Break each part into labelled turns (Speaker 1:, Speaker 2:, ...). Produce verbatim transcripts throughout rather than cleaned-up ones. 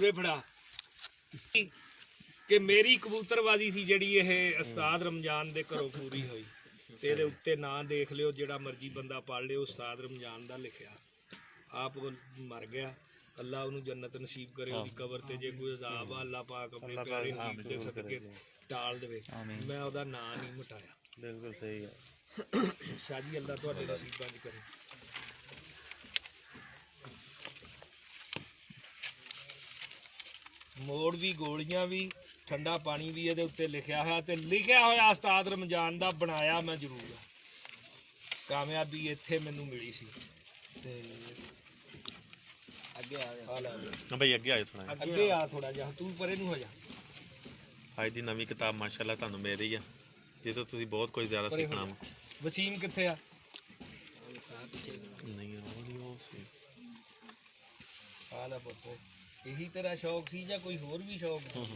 Speaker 1: ਉਰੇ ਫੜਾ ਕਿ ਮੇਰੀ ਕਬੂਤਰਬਾਜ਼ੀ ਸੀ ਜਿਹੜੀ ਇਹ ਉਸਤਾਦ ਰਮਜ਼ਾਨ ਦੇ ਘਰੋਂ ਪੂਰੀ ਹੋਈ ਤੇ ਇਹਦੇ ਉੱਤੇ ਨਾਂ ਦੇਖ ਲਿਓ, ਜਿਹੜਾ ਮਰਜ਼ੀ ਬੰਦਾ ਪੜ੍ਹ ਲਿਓ, ਉਸਤਾਦ ਰਮਜ਼ਾਨ ਦਾ ਲਿਖਿਆ। ਆਪ ਮਰ ਗਿਆ, ਅੱਲਾ ਉਹਨੂੰ ਜੰਨਤ ਨਸੀਬ ਕਰੇ, ਉਹਦੀ ਕਬਰ ਤੇ ਜੇ ਕੋਈ ਅਜ਼ਾਬ ਆ ਅੱਲਾ ਪਾਕ ਆਪਣੇ ਪਿਆਰੇ ਹਬੀਬ ਦੇ ਸਦਕੇ ਟਾਲ ਦੇਵੇ। ਮੈਂ ਉਹਦਾ ਨਾਂ ਨਹੀਂ ਮਿਟਾਇਆ।
Speaker 2: ਬਿਲਕੁਲ ਸਹੀ ਹੈ
Speaker 1: ਸ਼ਾਹ ਜੀ, ਅੱਲਾ ਤੁਹਾਡੇ ਨਸੀਬਾਂ 'ਚ ਕਰੇ। ਮੋੜ ਵੀ, ਗੋਲੀਆਂ ਵੀ, ਠੰਡਾ ਪਾਣੀ ਵੀ ਇਹਦੇ ਉੱਤੇ ਲਿਖਿਆ ਹੋਇਆ ਤੇ ਲਿਖਿਆ ਹੋਇਆ ਉਸਤਾਦ ਰਮਜ਼ਾਨ ਦਾ, ਬਣਾਇਆ ਮੈਂ ਜ਼ਰੂਰ ਆ। ਕਾਮਯਾਬੀ ਇੱਥੇ ਮੈਨੂੰ ਮਿਲੀ ਸੀ। ਤੇ ਅੱਗੇ ਆ ਜਾ
Speaker 2: ਹਾਂ ਬਈ, ਅੱਗੇ ਆਇਓ ਥੋੜਾ,
Speaker 1: ਅੱਗੇ ਆ ਥੋੜਾ ਜਿਹਾ, ਤੂੰ ਪਰੇ ਨੂੰ ਹੋ ਜਾ।
Speaker 2: ਅੱਜ ਦੀ ਨਵੀਂ ਕਿਤਾਬ ਮਾਸ਼ਾਅੱਲਾ ਤੁਹਾਨੂੰ ਮਿਲ ਰਹੀ ਆ, ਜਿਹਦੇ ਤੁਸੀਂ ਬਹੁਤ ਕੁਝ ਜ਼ਿਆਦਾ ਸਿੱਖਣਾ ਵਾ।
Speaker 1: ਵਸੀਮ ਕਿੱਥੇ ਆ?
Speaker 2: ਨਹੀਂ ਉਹ ਸੀ
Speaker 1: ਆ ਲੈ ਪੁੱਤ, ਇਹੀ ਤੇਰਾ ਸ਼ੌਕ ਸੀ ਜਾਂ ਕੋਈ ਹੋਰ ਵੀ ਸ਼ੌਕ ਸੀ?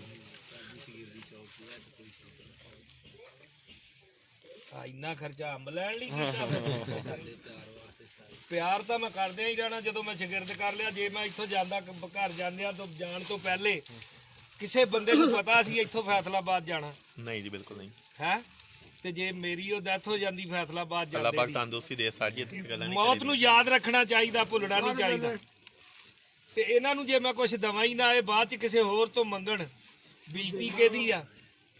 Speaker 1: ਆ ਇੰਨਾ ਖਰਚਾ ਅੰਬ ਲੈਣ ਲਈ ਕੀਤਾ? ਪਿਆਰ ਤਾਂ ਮੈਂ ਕਰਦਿਆਂ ਹੀ ਰਹਿਣਾ। ਜਦੋਂ ਮੈਂ ਸ਼ਾਗਿਰਦ ਕਰ ਲਿਆ, ਜੇ ਮੈਂ ਇੱਥੋਂ ਜਾਂਦਾ ਘਰ ਜਾਂਦਿਆਂ ਤੋਂ ਜਾਣ ਤੋਂ ਪਹਿਲੇ ਕਿਸੇ ਬੰਦੇ ਨੂੰ ਪਤਾ ਸੀ ਇੱਥੋਂ ਫੈਸਲਾਬਾਦ ਜਾਣਾ?
Speaker 2: ਨਹੀਂ ਜੀ, ਬਿਲਕੁਲ ਨਹੀਂ
Speaker 1: ਹੈ। ਤੇ ਜੇ ਮੇਰੀ ਉਹ ਡੈਥ ਹੋ ਜਾਂਦੀ ਫੈਸਲਾਬਾਦ
Speaker 2: ਅੱਲਾਹ ਪਾਕ ਤੰਦਰੁਸਤੀ ਦੇ ਸਾਜੀ ਤੇ ਗੱਲਾਂ ਨਹੀਂ।
Speaker 1: ਮੌਤ ਨੂੰ ਯਾਦ ਰੱਖਣਾ ਚਾਹੀਦਾ, ਭੁੱਲਣਾ ਨਹੀਂ ਚਾਹੀਦਾ। ਤੇ ਇਹਨਾਂ ਨੂੰ ਜੇ ਮੈਂ ਕੁਛ ਦਵਾਂ ਹੀ ਨਾ, ਇਹ ਬਾਅਦ ਚ ਕਿਸੇ ਹੋਰ ਤੋਂ ਮੰਗਣ, ਬੇਇੱਜ਼ਤੀ ਕਿਹਦੀ ਆ?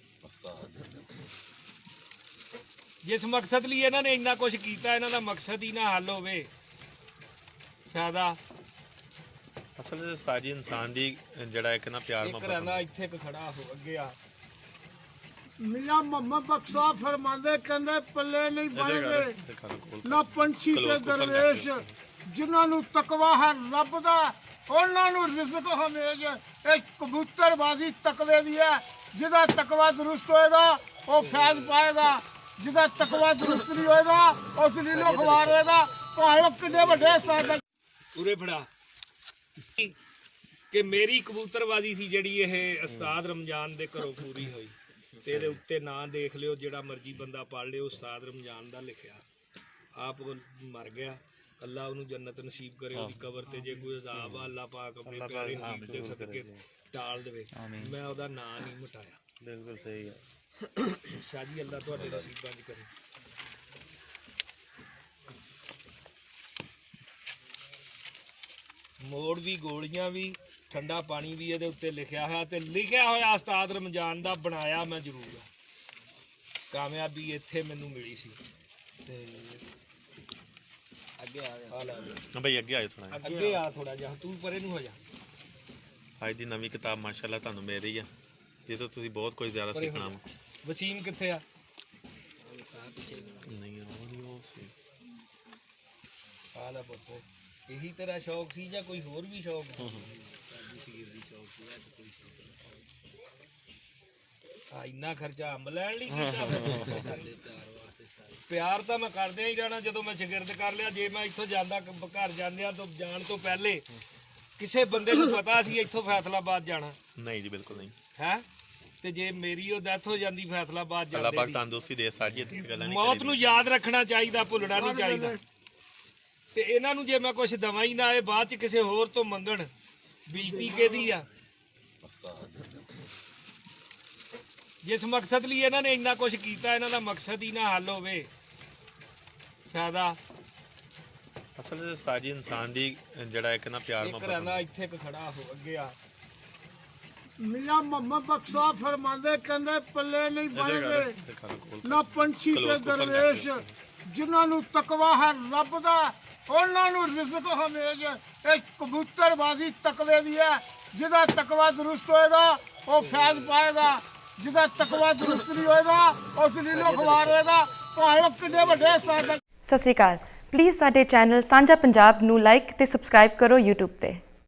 Speaker 1: ਜਿਸ ਮਕਸਦ ਲਈ ਇਹਨਾਂ ਨੇ ਇੰਨਾ ਕੁਛ ਕੀਤਾ, ਇਹਨਾਂ ਦਾ ਮਕਸਦ ਹੀ ਨਾ ਹੱਲ ਹੋਵੇ, ਫਾਇਦਾ।
Speaker 2: ਅਸਲ ਵਿੱਚ ਸਾਜੀ ਇਨਸਾਨ ਦੀ ਜਿਹੜਾ ਇੱਕ ਨਾ ਪਿਆਰ
Speaker 1: ਇੱਕ ਰਹਿੰਦਾ ਇੱਥੇ ਇੱਕ ਖੜਾ ਹੋ, ਅੱਗੇ ਆ।
Speaker 3: मियां मोहम्मद बख्शा फरमांदे कहंदे पल्ले नहीं बनदे ना पंछी ते दरवेश, जिन्हां नूं तकवा है रब दा उन्हां नूं रिज़्क हमेज। इह कबूतरबाजी तकवे दी है, जिहदा तकवा दुरुस्त होएगा वो फैज़ पाएगा, जिहदा तकवा दुरुस्त नहीं होएगा उस लीलो खवार होएगा, भावें किन्ने वड्डे सादा।
Speaker 1: ਉਰੇ ਫੜਾ ਕਿ ਮੇਰੀ ਕਬੂਤਰਬਾਜ਼ੀ ਸੀ ਜਿਹੜੀ ਇਹ ਉਸਤਾਦ ਰਮਜ਼ਾਨ ਦੇ ਘਰੋਂ ਪੂਰੀ ਹੋਈ ਤੇ ਇਹਦੇ ਉੱਤੇ ਨਾਂ ਦੇਖ ਲਿਓ, ਜਿਹੜਾ ਮਰਜ਼ੀ ਬੰਦਾ ਪੜ੍ਹ ਲਿਓ, ਉਸਤਾਦ ਰਮਜ਼ਾਨ ਦਾ ਲਿਖਿਆ। ਆਪ ਮਰ ਗਿਆ, ਅੱਲਾ ਉਹਨੂੰ ਜੰਨਤ ਨਸੀਬ ਕਰੇ, ਉਹਦੀ ਕਬਰ ਤੇ ਜੇ ਕੋਈ ਅਜ਼ਾਬ ਆ ਅੱਲਾ ਪਾਕ ਆਪਣੇ ਪਿਆਰੇ ਹਬੀਬ ਦੇ ਸਦਕੇ ਟਾਲ ਦੇਵੇ। ਮੈਂ ਉਹਦਾ ਨਾਂ ਨਹੀਂ ਮਿਟਾਇਆ।
Speaker 2: ਬਿਲਕੁਲ ਸਹੀ ਹੈ
Speaker 1: ਸ਼ਾਹ ਜੀ, ਅੱਲਾ ਤੁਹਾਡੇ ਨਸੀਬਾਂ 'ਚ ਕਰੇ। ਮੋੜ ਵੀ, ਗੋਲੀਆਂ ਵੀ, ਠੰਡਾ ਪਾਣੀ ਵੀ ਇਹਦੇ ਉੱਤੇ ਲਿਖਿਆ ਹੋਇਆ ਤੇ ਲਿਖਿਆ ਹੋਇਆ ਉਸਤਾਦ ਰਮਜ਼ਾਨ ਦਾ, ਬਣਾਇਆ ਮੈਂ ਜ਼ਰੂਰ ਆ। ਕਾਮਯਾਬੀ ਇੱਥੇ ਮੈਨੂੰ ਮਿਲੀ ਸੀ। ਤੇ ਅੱਗੇ ਆ ਜਾ
Speaker 2: ਹਾਂ ਬਈ, ਅੱਗੇ ਆਇਓ ਥੋੜਾ,
Speaker 1: ਅੱਗੇ ਆ ਥੋੜਾ ਜਿਹਾ, ਤੂੰ ਪਰੇ ਨੂੰ ਹੋ ਜਾ।
Speaker 2: ਅੱਜ ਦੀ ਨਵੀਂ ਕਿਤਾਬ ਮਾਸ਼ਾਅੱਲਾ ਤੁਹਾਨੂੰ ਮਿਲ ਰਹੀ ਆ, ਜਿਹਦੇ ਤੁਸੀਂ ਬਹੁਤ ਕੁਝ ਜ਼ਿਆਦਾ ਸਿੱਖਣਾ ਵਾ।
Speaker 1: ਵਸੀਮ ਕਿੱਥੇ ਆ?
Speaker 2: ਨਹੀਂ ਉਹ ਸੀ
Speaker 1: ਆ ਲੈ ਪੁੱਤ, ਇਹੀ ਤੇਰਾ ਸ਼ੌਕ ਸੀ ਜਾਂ ਕੋਈ ਹੋਰ ਵੀ ਸ਼ੌਕ ਸੀ? ਆ ਇੰਨਾ ਖਰਚਾ ਅੰਬ ਲੈਣ ਲਈ ਕੀਤਾ? ਪਿਆਰ ਤਾਂ ਮੈਂ ਕਰਦਿਆਂ ਹੀ ਰਹਿਣਾ। ਜਦੋਂ ਮੈਂ ਸ਼ਾਗਿਰਦ ਕਰ ਲਿਆ, ਜੇ ਮੈਂ ਇੱਥੋਂ ਜਾਂਦਾ ਘਰ ਜਾਂਦਿਆਂ ਤੋਂ ਜਾਣ ਤੋਂ ਪਹਿਲੇ ਕਿਸੇ ਬੰਦੇ ਨੂੰ ਪਤਾ ਸੀ ਇੱਥੋਂ ਫੈਸਲਾਬਾਦ ਜਾਣਾ?
Speaker 2: ਨਹੀਂ ਜੀ, ਬਿਲਕੁਲ ਨਹੀਂ
Speaker 1: ਹੈ। ਤੇ ਜੇ ਮੇਰੀ ਉਹ ਡੈਥ ਹੋ ਜਾਂਦੀ ਫੈਸਲਾਬਾਦ
Speaker 2: ਅੱਲਾਹ ਪਾਕ
Speaker 1: ਜਾਂਦੀ,
Speaker 2: ਤੰਦਰੁਸਤੀ ਦੇ ਸਾਜੀ ਤੇ ਗੱਲਾਂ ਨਹੀਂ।
Speaker 1: ਮੌਤ ਨੂੰ ਯਾਦ ਰੱਖਣਾ ਚਾਹੀਦਾ, ਭੁੱਲਣਾ ਨਹੀਂ ਚਾਹੀਦਾ। ਤੇ ਇਹਨਾਂ ਨੂੰ ਜੇ ਮੈਂ ਕੁਛ ਦਵਾਂ ਹੀ ਨਾ, ਇਹ ਬਾਅਦ ਚ ਕਿਸੇ ਹੋਰ ਤੋਂ ਮੰਗਣ, ਬੇਇੱਜ਼ਤੀ ਕਿਹਦੀ ਆ? ਜਿਸ ਮਕਸਦ ਲਈ ਇਹਨਾਂ ਨੇ ਇੰਨਾ ਕੁਛ ਕੀਤਾ, ਇਹਨਾਂ ਦਾ ਮਕਸਦ ਹੀ ਨਾ ਹੱਲ ਹੋਵੇ, ਫਾਇਦਾ।
Speaker 2: ਅਸਲ ਵਿੱਚ ਸਾਜੀ ਇਨਸਾਨ ਦੀ ਜਿਹੜਾ ਇੱਕ ਨਾ ਪਿਆਰ
Speaker 1: ਇੱਕ ਰਹਿੰਦਾ ਇੱਥੇ ਇੱਕ ਖੜਾ ਹੋ, ਅੱਗੇ ਆ।
Speaker 3: मियां मोहम्मद बख्शा फरमांदे कहंदे पल्ले नहीं बनदे ना पंछी ते दरवेश, जिन्हां नूं तकवा है रब दा उन्हां नूं रिज़्क हमेज। इह कबूतरबाजी तकवे दी है, जिहदा तकवा दुरुस्त होएगा वो फैज़ पाएगा, जिहदा तकवा दुरुस्त नहीं होएगा उस लीलो खवार होएगा, भावें किन्ने वड्डे सादा।
Speaker 4: सत श्री अकाल। प्लीज़ साडे चैनल सांझा पंजाब नूं लाइक ते सबसक्राइब करो यूट्यूब ते।